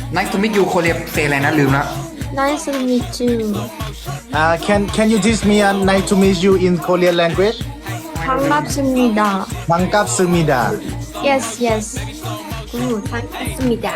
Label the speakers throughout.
Speaker 1: Nice to meet you โคเรียเซอะไรนะลืมแล้ว
Speaker 2: Nice to meet you.
Speaker 3: Can you teach me a nice to meet you in Korean language?
Speaker 2: 반갑습니다.
Speaker 3: 반갑습니다.
Speaker 2: Yes, yes. Good. 반갑습니다.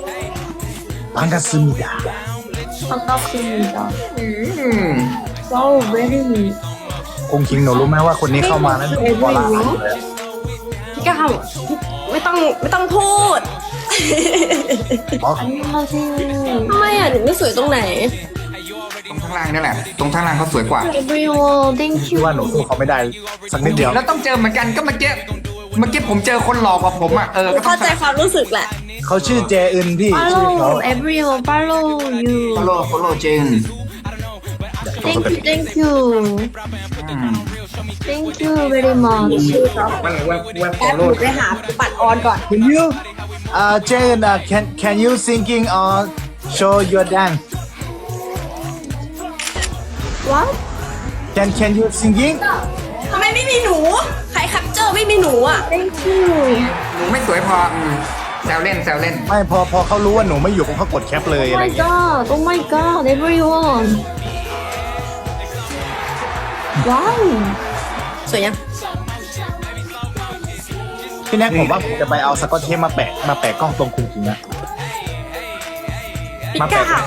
Speaker 3: 반갑습니다.
Speaker 2: 반갑습니다.
Speaker 1: อืม
Speaker 2: Wow, very.
Speaker 3: คงคิงหนูรู้ไหมว่าคนนี้เข้ามาแล้วหนูพอละเลย
Speaker 4: พี่ก้าวไม่ต้องพูด
Speaker 3: อ๋อ
Speaker 2: 안녕하세요.
Speaker 4: ทำไมอ่ะหนูไม่สวยตรงไหน
Speaker 1: ตรงข้างล่างนี่แหละ ตรงข้างล่างเขาสวยกว่า
Speaker 2: Everyone, thank
Speaker 3: คิด
Speaker 2: you.
Speaker 3: ว่าหนูสู้เขาไม่ได้สักนิดเดียว
Speaker 1: แล้วต้องเจอเหมือนกันก็เมื่อกี้ผมเจอคนหล่อกว่าผมอ่ะก็ต้อ
Speaker 4: เข้าง ใจความรู้สึกแหละ
Speaker 3: เขาชื่อเจอึนพี่ชื่อเขา
Speaker 2: Follow, everyone, follow you.
Speaker 1: follow เจน
Speaker 2: Thank you, thank you. Thank you very much.
Speaker 1: วัน
Speaker 4: แป๊บหนูไปหาปัดออนก่อน
Speaker 3: Can you Jane can you singing or show your dance
Speaker 2: What?
Speaker 3: Can you singing
Speaker 4: ทำไมไม่มีหนู ใครคัปเจอร์ไม่มีหนูอ่ะ
Speaker 2: Thank you.
Speaker 1: หนูไม่สวยพอแซวเล่น
Speaker 3: ไม่พอเขารู้ว่าหนูไม่อยู่เขากดแคปเลย
Speaker 2: Oh
Speaker 3: อะไร
Speaker 2: my
Speaker 3: เงี้ย
Speaker 2: god, oh my god, everyone. Wow.
Speaker 4: สวยยัง
Speaker 3: พี่แน็กผมว่าผมจะไปเอาสกอตเทปมาแปะกล้องตรงคุงจริงนะ
Speaker 4: พี่
Speaker 3: มา
Speaker 4: ก้า
Speaker 3: แปะ
Speaker 4: ว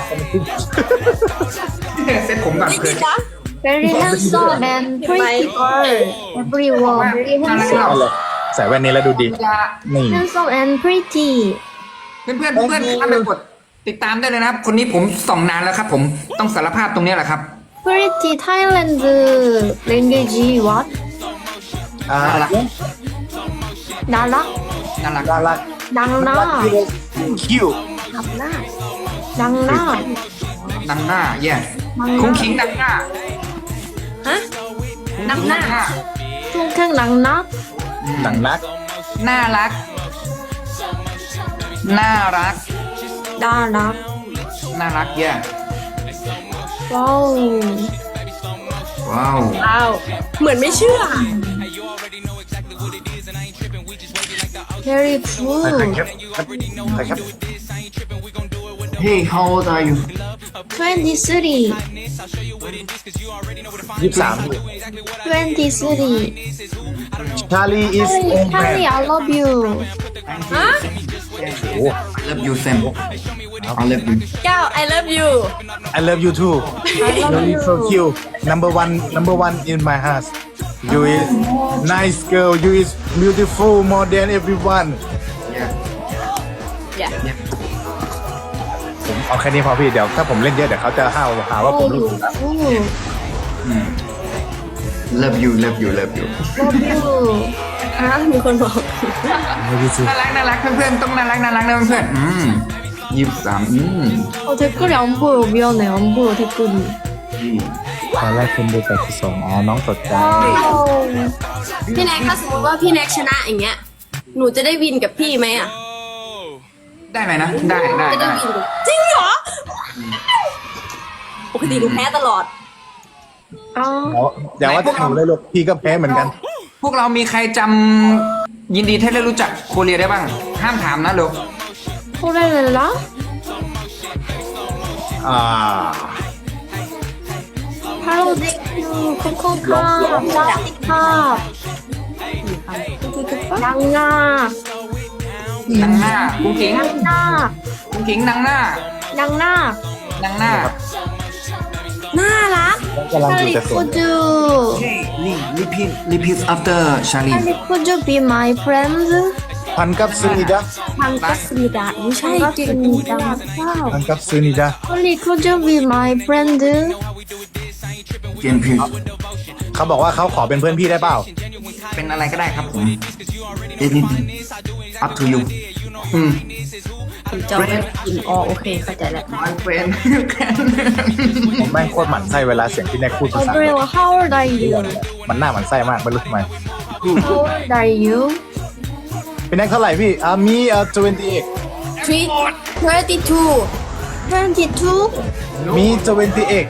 Speaker 1: เซ็ตผมก่อน
Speaker 4: ไม่
Speaker 1: เพื่
Speaker 4: จ
Speaker 1: อ
Speaker 4: ริ
Speaker 1: น
Speaker 4: งนะ
Speaker 2: Very handsome and pretty girl. Everyone, very
Speaker 3: เอา
Speaker 2: handsome.
Speaker 3: เลยใส่แว่นนี้แล้วดูดี นี่
Speaker 2: Handsome and pretty.
Speaker 1: เพื่อนข้ามไปกดติดตามได้เลยนะครับ คนนี้ผมส่องนานแล้วครับ ผมต้องสารภาพตรงนี้แหละครับ
Speaker 2: Pretty Thailand language. What?
Speaker 3: อ่า
Speaker 1: น่ารัก
Speaker 2: 나락?
Speaker 1: น่ารัก
Speaker 3: น่ารัก
Speaker 2: 낭나.
Speaker 3: คิว
Speaker 2: 낭나.
Speaker 1: ดังหน้าแย่คุ้งคิงดังหน้า
Speaker 4: ฮะ
Speaker 1: ดังหน้า
Speaker 2: 퉁퉁 낭나.
Speaker 3: หนังรัก
Speaker 1: น่ารัก
Speaker 2: 나락.
Speaker 1: น่ารักแย่
Speaker 2: 와우.
Speaker 1: ว้าว
Speaker 4: อ้าว เหมือนไม่เชื่อ
Speaker 2: Very
Speaker 3: ใคร
Speaker 2: good.
Speaker 3: แคปใครแคป
Speaker 1: Hey how old are you
Speaker 2: 23.
Speaker 3: 23
Speaker 2: 23.
Speaker 3: Charlie is old man
Speaker 2: Charlie, I love you.
Speaker 4: ฮะ
Speaker 3: โอ้
Speaker 1: love you Sam I love you
Speaker 4: ก้าว I love you
Speaker 3: I love you too
Speaker 2: I love
Speaker 3: you
Speaker 2: you.
Speaker 3: so cute number one in my heart you is nice girl you is beautiful more than everyone
Speaker 1: yeah
Speaker 4: อย่า
Speaker 3: ผมเอาแค่นี้พอพี่เดี๋ยวถ้าผมเล่นเยอะเดี๋ยวเขาจะหาว่าผมรู้
Speaker 2: Ooh,
Speaker 1: love you love you love you
Speaker 2: love you.
Speaker 4: อ่ะมีคนบอก
Speaker 1: น่ารักเพื่อนๆต้องน่ารักนะเพื่อน23
Speaker 2: 댓글이 안 보여. 미안해. 안 보여, 댓글이.
Speaker 3: ตอนแรกคนดู82อ๋อน้องสดใจ
Speaker 2: 와우.
Speaker 4: พี่แน็กถ้าสมมติว่าพี่แน็กชนะอย่างเงี้ย หนูจะได้วินกับพี่ไหมอ่ะ
Speaker 1: ได้ไหมนะได้
Speaker 4: จะได้วินกับจริงเหรอ ปกติหนูแพ้ตลอด
Speaker 2: 아,
Speaker 3: อย่าว่าแต่หนูเลยลูกพี่ก็แพ้เหมือนกัน
Speaker 1: พวกเรามีใครจำยินดีที่ได้รู้จักโคเรียได้บ้าง ห้ามถามนะเร็ว
Speaker 2: 코렐라?
Speaker 3: อ่า
Speaker 2: 할로우 땡큐, 코코카, 짜티카, 낭나,
Speaker 1: นังหน้ากุ้งขิง
Speaker 2: 낭나,
Speaker 1: กุ้งขิงนังหน้า
Speaker 2: 낭나,
Speaker 1: นังหน้า
Speaker 4: น่ารัก
Speaker 3: กำลังดูแต่สวน
Speaker 2: 할리쿠즈,
Speaker 1: Hey repeat after Charlie
Speaker 2: 할리쿠즈 be my friend.
Speaker 3: พันกับซูนิดา
Speaker 4: 반갑습니다. ไม่ใช่เก่ง
Speaker 2: 반갑습니다.
Speaker 3: พันกับซูนิดา
Speaker 2: 할리쿠즈 be my friend.
Speaker 1: เจนพิว
Speaker 3: เขาบอกว่าเขาขอเป็นเพื่อนพี่ได้เปล่า
Speaker 1: เป็นอะไรก็ได้ครับผม anything up to you
Speaker 4: ผมจะไม่กินอ๋อโอเคเข้าใจแล้ว
Speaker 1: my friend
Speaker 3: ผมแม่งโคตรหมั่นไส้เวลาเสียงพี่แน็กพูดภาษา
Speaker 2: Gabriel, how old are you?
Speaker 3: มันหน้าหมั่นไส้มากไม่รู้ทำไม
Speaker 2: How old are you?
Speaker 3: พี่แน็กเท่าไหร่พี่มี28
Speaker 4: 32
Speaker 2: 22?
Speaker 3: มี28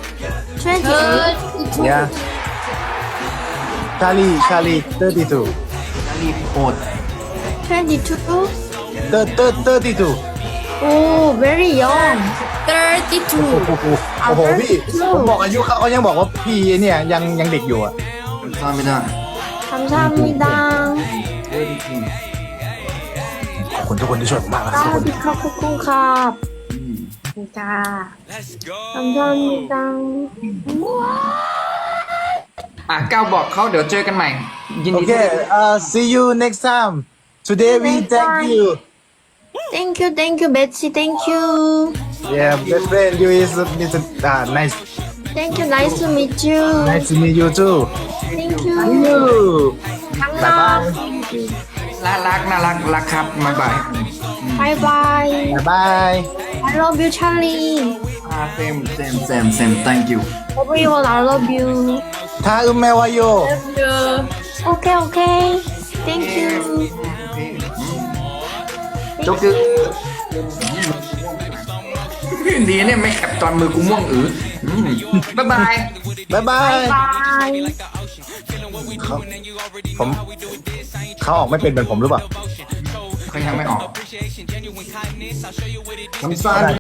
Speaker 2: 28?
Speaker 3: yeah Charlie 32
Speaker 1: Charlie โอด
Speaker 2: 22?
Speaker 3: 32
Speaker 2: Oh, very young.
Speaker 4: 32
Speaker 3: โอ้โหพี่ผมบอกอายุเขายังบอกว่าพี่เนี่ยยังเด็กอยู่อ่ะ
Speaker 1: ซ่อนไม่ได้
Speaker 2: 감사합니다.
Speaker 3: ขอบคุณทุกคนที่ช่วยผมมากนะครับทุกคน
Speaker 2: 사디카 코쿤캅. 진짜. 감사합니다.
Speaker 1: ก้าวบอกเขาเดี๋ยวเจอกันใหม่ ยิน
Speaker 3: โอ
Speaker 1: ดี
Speaker 3: เคsee you next time today we thank you
Speaker 2: Thank you, Betsy. Thank you.
Speaker 3: yeah best friend you is nice
Speaker 2: Thank you. Nice to meet you.
Speaker 3: nice to meet you too
Speaker 2: Thank you.
Speaker 3: you bye bye
Speaker 1: น่ารักครับบ๊ายบาย
Speaker 2: Bye bye.
Speaker 3: bye bye
Speaker 2: I love you, Charlie.
Speaker 1: same thank you
Speaker 2: Everyone, I love you.
Speaker 3: ถ้าแม่วาโย
Speaker 2: Okay. Thank you.
Speaker 1: โจ๊กคือดีเนี่ยไม่แคปตอนมือกูม่วงบ๊ายบาย
Speaker 3: bye bye
Speaker 2: Bye.
Speaker 3: เขาออกไม่เป็นเหมือนผมหรือเปล่า
Speaker 1: เขายังไม่ออกคำสั่ง